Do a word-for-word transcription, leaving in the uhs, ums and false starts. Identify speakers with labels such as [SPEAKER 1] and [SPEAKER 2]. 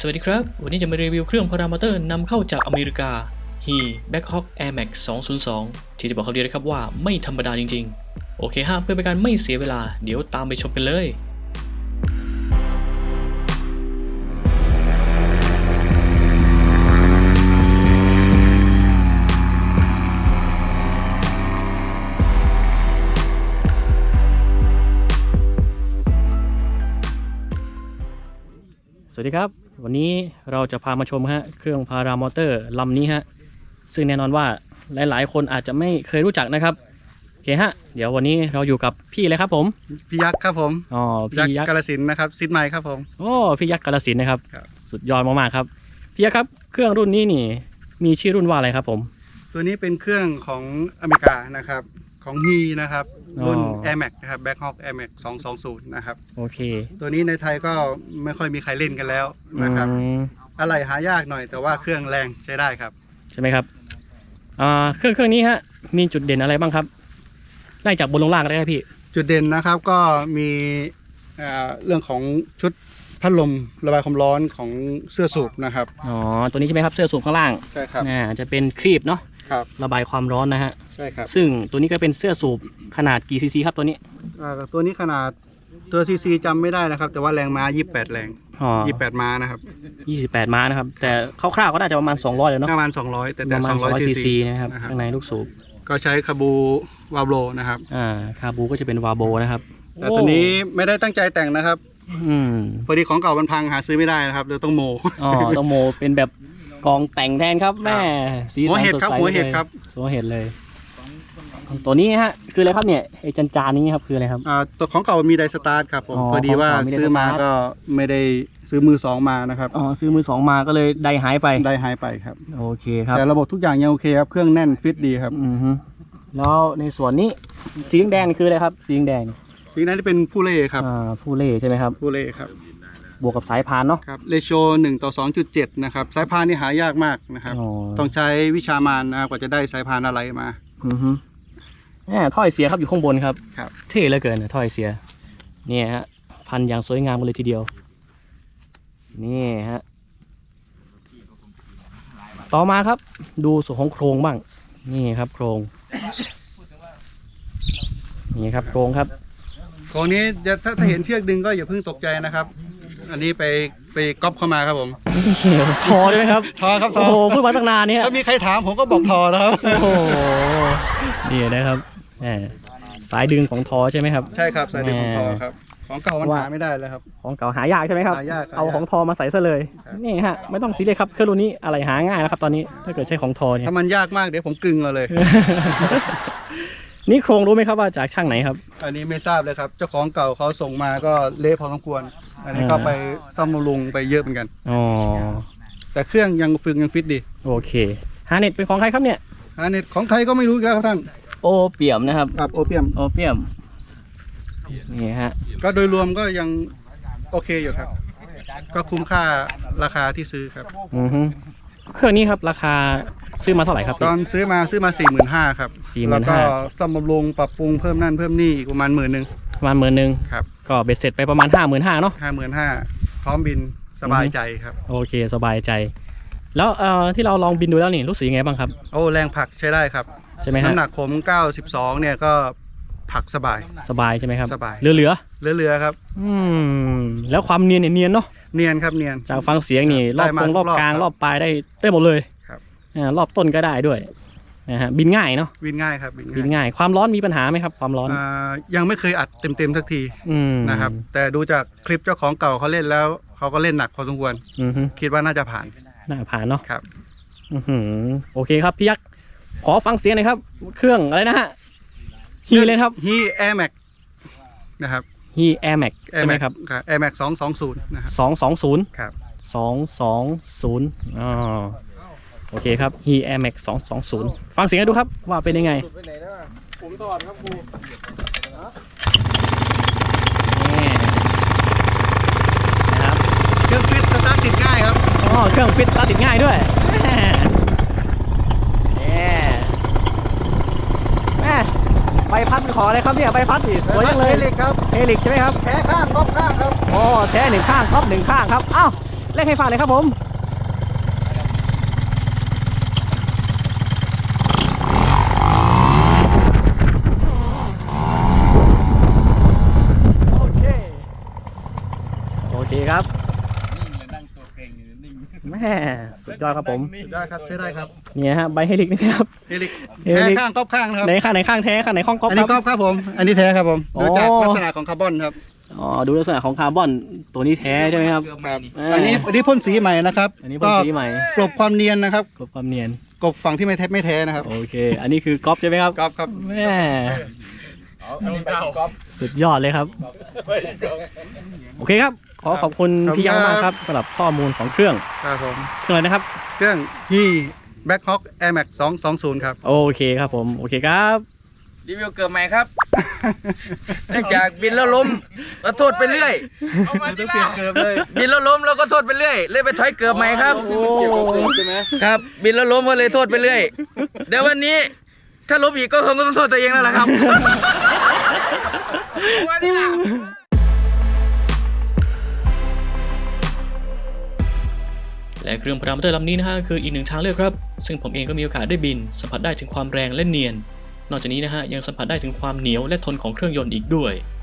[SPEAKER 1] สวัสดีครับวันนี้จะมารีวิวเครื่องพารามอเตอร์นำเข้าจากอเมริกา ฮี Blackhawk Air Max สองศูนย์สองที่จะบอกเขาเดียวนะครับว่าไม่ธรรมดาจริงๆโอเคฮะเพื่อเป็นการไม่เสียเวลาเดี๋ยวตามไปชมกันเลยสวัสดีครับวันนี้เราจะพามาชมฮะเครื่องพารามอเตอร์ลำนี้ฮะซึ่งแน่นอนว่าหลายๆคนอาจจะไม่เคยรู้จักนะครับโอเคฮะเดี๋ยววันนี้เราอยู่กับพี่เลยครับผม
[SPEAKER 2] พี่ยักษ์ครับผม
[SPEAKER 1] อ๋อพี่ยักษ์
[SPEAKER 2] กาฬสินธุ์นะครับซิดไมค์ครับผม
[SPEAKER 1] โอ้พี่ยักษ์กาฬสินธุ์นะครับสุดยอดมากๆครับพี่ยักษ์ครับเครื่องรุ่นนี้นี่มีชื่อรุ่นว่าอะไรครับผม
[SPEAKER 2] ตัวนี้เป็นเครื่องของอเมริกานะครับของฮีนะครับรุ่น Air Max นะครับ Blackhawk Air Max สองสองศูนย์นะครับโอเคตัวนี้ในไทยก็ไม่ค่อยมีใครเล่นกันแล้วนะครับอะไรหายากหน่อยแต่ว่าเครื่องแรงใช้ได้ครับ
[SPEAKER 1] ใช่ไหมครับอ่าเครื่องเครื่องนี้ฮะมีจุดเด่นอะไรบ้างครับไล่จากบนลงล่างได้ไหมพี่
[SPEAKER 2] จุดเด่นนะครับก็มีเรื่องของชุดพัดลมระบายความร้อนของเสื้อสูบนะครับ
[SPEAKER 1] อ๋อตัวนี้ใช่ไหมครับเสื้อสูบข้างล่าง
[SPEAKER 2] ใช่ครับ
[SPEAKER 1] อ่าจะเป็นครีบเนาะ
[SPEAKER 2] ครับ
[SPEAKER 1] ระบายความร้อนนะฮะ
[SPEAKER 2] ใช่ครับ
[SPEAKER 1] ซึ่งตัวนี้ก็เป็นเสื้อสูบขนาดกี่ซีซีครับตัวนี้
[SPEAKER 2] อ่าตัวนี้ขนาดตัวซีซีจำไม่ได้นะครับแต่ว่าแรงม้ายี่สิบแปดแรงยี่สิบแปดม้านะครับ
[SPEAKER 1] ยี่สิบแปดม้านะครับแต่คร่าวๆก็น่าจะประมาณสองร้อยเลยเนาะ
[SPEAKER 2] ประมาณสองร้อยแต่แต่สองร้อยซีซี
[SPEAKER 1] นะครับข้างในลูกสูบ
[SPEAKER 2] ก็ใช้คาบูวาโบนะครับ
[SPEAKER 1] อ่าคาบูก็จะเป็นวาโบนะครับ
[SPEAKER 2] แต่ตัวนี้ไม่ได้ตั้งใจแต่งนะครับ
[SPEAKER 1] อืม
[SPEAKER 2] พอดีของเก่ามันพังหาซื้อไม่ได้นะครับเลยต้องโม
[SPEAKER 1] อ๋อต้องโมเป็นแบบกองแต่งแทนครับแม่สีสันสดใส
[SPEAKER 2] หัวเห็ดครับ
[SPEAKER 1] หัวเห็ดเลยตัวนี้ฮะคืออะไรครับเนี่ยไอ้จานจานนี้ครับคืออะไรครับ
[SPEAKER 2] อ่าตัวของเก่ามีไดสตาร์ทครับผมพอดีว่าซื้อมาก็ไม่ได้ซื้อมือสองมานะครับ
[SPEAKER 1] อ๋อซื้อมือสองมาก็เลยไดหายไป
[SPEAKER 2] ไดหายไปครับ
[SPEAKER 1] โอเคครับ
[SPEAKER 2] แต่ระบบทุกอย่างยังโอเคครับเครื่องแน่นฟิตดีครับ
[SPEAKER 1] อือฮึแล้วในส่วนนี้สีแดงคืออะไรครับสีแดง
[SPEAKER 2] สีนั้นที่เป็นผู้เล่ครับ
[SPEAKER 1] อ่าผู้เล่ใช่ไหมครับ
[SPEAKER 2] ผู้เล่ครับ
[SPEAKER 1] บวกกับสายพานเนาะ
[SPEAKER 2] ครับเรโชหนึ่งต่อสองจุดเจ็ดนะครับสายพานนี่หายากมากนะครับต้องใช้วิชามานนะกว่าจะได้สายพานอะไรมา
[SPEAKER 1] อือฮึแหมถ้อยเสียครับอยู่ข้างบนครับ
[SPEAKER 2] ครับ
[SPEAKER 1] เท่เหลือเกินถ้อยเสียเนี่ยฮะพันอย่างสวยงามเลยทีเดียวนี่ฮะต่อมาครับดูส่วนของโครงบ้างนี่ครับโครงนี่ครับโครงครับ
[SPEAKER 2] โครงนี้ถ้าถ้าเห็นเชือกดึงก็อย่าเพิ่งตกใจนะครับอันนี้ไปไปก๊อปเข้ามาครับผม
[SPEAKER 1] ทอได้ไหมครับ
[SPEAKER 2] ทอครับทอ
[SPEAKER 1] โอ้โหพูดมาตั้งนานเนี่ย
[SPEAKER 2] ถ้ามีใครถามผมก็บอกทอนะครับ
[SPEAKER 1] โอ้โหนี่นะครับสายดึงของทอใช่ไหมครับ
[SPEAKER 2] ใช่ครับสายดึงของทอครับของเก่ามันหาไม่ได้เลยครับ
[SPEAKER 1] ของเก่าหายากใช่ไหมครับเอาของทอมาใส่ซะเลยนี่ฮะไม่ต้องซีเรียสครับเครื่องรุ่นนี้อะไรหาง่ายแล้วครับตอนนี้ถ้าเกิดใช้ของทอเนี่ย
[SPEAKER 2] ถ้ามันยากมากเดี๋ยวผมกึ่งเราเลย
[SPEAKER 1] นี่โครงรู้ไหมครับว่าจากช่างไหนครับ
[SPEAKER 2] อันนี้ไม่ทราบเลยครับเจ้าของเก่าเขาส่งมาก็เละพอสมควรอันนี้ก็ไปซ่อมบำรุงไปเยอะเหมือนกัน
[SPEAKER 1] อ๋อ
[SPEAKER 2] แต่เครื่องยังฝึกยังฟิตดี
[SPEAKER 1] โอเคฮาร์เน็ตเป็นของใครครับเนี่ย
[SPEAKER 2] ฮาร์เน็ตของไทยก็ไม่รู้อีกแล้วครับท่าน
[SPEAKER 1] โอเปียมนะครับ
[SPEAKER 2] ครับโอเปียม
[SPEAKER 1] โอเปียมนี่ฮะ
[SPEAKER 2] ก็โดยรวมก็ยังโอเคอยู่ครับก็คุ้มค่าราคาที่ซื้อครับ
[SPEAKER 1] อือฮึเครื่องนี้ครับราคาซื้อมาเท่าไหร่ครับ
[SPEAKER 2] ตอนซื้อมาซื้อมาสี่หมื่นห้าครับแล้วก็ซ่อมบำรุงปรับปรุงเพิ่มนั่นเพิ่มนี่ประมาณหมื่นหนึ่ง
[SPEAKER 1] ประมาณหมื่นหนึ่ง
[SPEAKER 2] ครับ
[SPEAKER 1] ก็เบ็ดเสร็จไปประมาณห้าหมื่นห้าเนาะ
[SPEAKER 2] ห้าหมื่นห้าพร้อมบินสบายใจครับ
[SPEAKER 1] โอเคสบายใจแล้วเอ่อที่เราลองบินดูแล้วนี่รู้สึกยังไงบ้างครับ
[SPEAKER 2] โอ้แรงผลักใช้ได้ครับ
[SPEAKER 1] ใช่ไหมฮะ
[SPEAKER 2] น้ำหนักผมเก้าสิบสองเนี่ยก็ผลักสบาย
[SPEAKER 1] สบายใช่ไหมครับ
[SPEAKER 2] สบาย
[SPEAKER 1] เหลือเหลือ
[SPEAKER 2] เหลือเหลือครับ
[SPEAKER 1] อืมแล้วความเนียนเนี่ยเนียนเนาะ
[SPEAKER 2] เนียนครับเนียน
[SPEAKER 1] จากฟังเสียงนี่รอบตรงรอบกลางรอบปลายได้ได้หมดเลย
[SPEAKER 2] ครับ
[SPEAKER 1] รอบต้นก็ได้ด้วยนะฮะบินง่ายเนาะ
[SPEAKER 2] บินง่ายครับ
[SPEAKER 1] บินง่ายความร้อนมีปัญหาไหมครับความร้อน
[SPEAKER 2] ยังไม่เคยอัดเต็มเต็มสักทีนะครับแต่ดูจากคลิปเจ้าของเก่าเขาเล่นแล้วเขาก็เล่นหนักพอสมควรคิดว่าน่าจะผ่าน
[SPEAKER 1] น่าผ่านเนาะ
[SPEAKER 2] ครับ
[SPEAKER 1] โอเคครับพี่ยักษ์ขอฟังเสียงหน่อยครับเครื่องอะไรนะฮะฮีเลยครับ
[SPEAKER 2] ฮี Air Max นะครับ
[SPEAKER 1] ฮี Air Max ใช่ไหมครับ
[SPEAKER 2] Air Max สองสองศูนย์นะครับ
[SPEAKER 1] สองสองศูนย์
[SPEAKER 2] ครับ
[SPEAKER 1] สองสองศูนย์อ๋อโอเคครับ ฮี Air Max สองสองศูนย์ฟังเสียงดูครับว่าเป็นยังไงผมตอดครับครูนี่นะครับ
[SPEAKER 2] เครื่องฟิตสตาร์ทติดง่ายครับ
[SPEAKER 1] อ๋อเครื่องฟิตสตาร์ทติดง่ายด้วยใบพัดขออะไรครับเนี่ยใบพัดอีกสวยจังเลย
[SPEAKER 2] เฮลิกครับ
[SPEAKER 1] เฮลิกใช่ไหมครับ
[SPEAKER 2] แท้ข้างก๊อปข้างครับ
[SPEAKER 1] โอ้แท้หนึ่งข้างก๊อปหนึ่งข้างครับอ้าว
[SPEAKER 3] เร่งให้ฟังเลยครับผมโอเคโอเคครับแม่สุดยอดครับผม
[SPEAKER 2] สุดยอดครับใช้ได้ครับ
[SPEAKER 3] เนี่ยฮะใบเฮลิกนะครับ
[SPEAKER 2] เฮลิก
[SPEAKER 3] เฮลิก
[SPEAKER 2] แท้ข้างก๊อบข้างนะครับ
[SPEAKER 3] ไหนข้างไหนข้างแท้ข้างไหนข้องก๊อป
[SPEAKER 2] อัน
[SPEAKER 3] ค
[SPEAKER 2] นี้
[SPEAKER 3] รับ
[SPEAKER 2] ก๊อบครับผม อันนี้แท้ครับผม
[SPEAKER 3] อ๋อ
[SPEAKER 2] ดูจากลักษณะของคาร์บอนครับ
[SPEAKER 3] อ๋อดูลักษณะของคาร์บอนตัวนี้แท้ใช่ไหมครับ
[SPEAKER 2] ครับ
[SPEAKER 3] อ่า
[SPEAKER 2] อันนี้อันนี้พ่นสีใหม่นะครับ
[SPEAKER 3] อันนี้พ่นสีใหม่
[SPEAKER 2] กลบความเนียนนะครับ
[SPEAKER 3] กลบความเนียน
[SPEAKER 2] กลบฝั่งที่ไม่แท้ไม่แท้นะครับ
[SPEAKER 3] โอเค อันนี้คือก๊อปใช่ไหมครับ
[SPEAKER 2] ก๊อบครับ
[SPEAKER 3] แม่สุดยอดเลยครับ โอเคครับ ขอขอบคุณ
[SPEAKER 2] ขอบคุณ
[SPEAKER 3] พี่ยังมาก
[SPEAKER 2] ค
[SPEAKER 3] ค
[SPEAKER 2] รั
[SPEAKER 3] รับ บสำหรับข้อมูลของเครื่อง
[SPEAKER 2] ครับผม
[SPEAKER 3] เครื่องอะไรนะครับ
[SPEAKER 2] เครื่อง ฮี Black Hawk Air Max สองสองศูนย์ครับ
[SPEAKER 3] โอเคครับผม โอเคครับ
[SPEAKER 4] รีวิวเกิดใหม่ครับ เนื่องจากบินแล้วล้มก็โทษไปเรื่อย
[SPEAKER 2] ต้องเปลี่ยนเกือบเลย
[SPEAKER 4] บินแล้วล้มแล้วก็โทษไปเรื่อยเลยไปถอยเกิดใหม่ครับ
[SPEAKER 3] โอ้
[SPEAKER 4] ครับ บินแล้วล้มก็เลยโทษไปเรื่อยเดี๋ยววันนี้ถ้าล้มอีกก็คงต้องโทษตัวเองแล้วล่ะครับ
[SPEAKER 1] และเครื่องพารามอเตอร์ลำนี้นะฮะคืออีกหนึ่งทางเลือกครับซึ่งผมเองก็มีโอกาสได้บินสัมผัสได้ถึงความแรงและเนียนนอกจากนี้นะฮะยังสัมผัสได้ถึงความเหนียวและทนของเครื่องยนต์อีกด้วย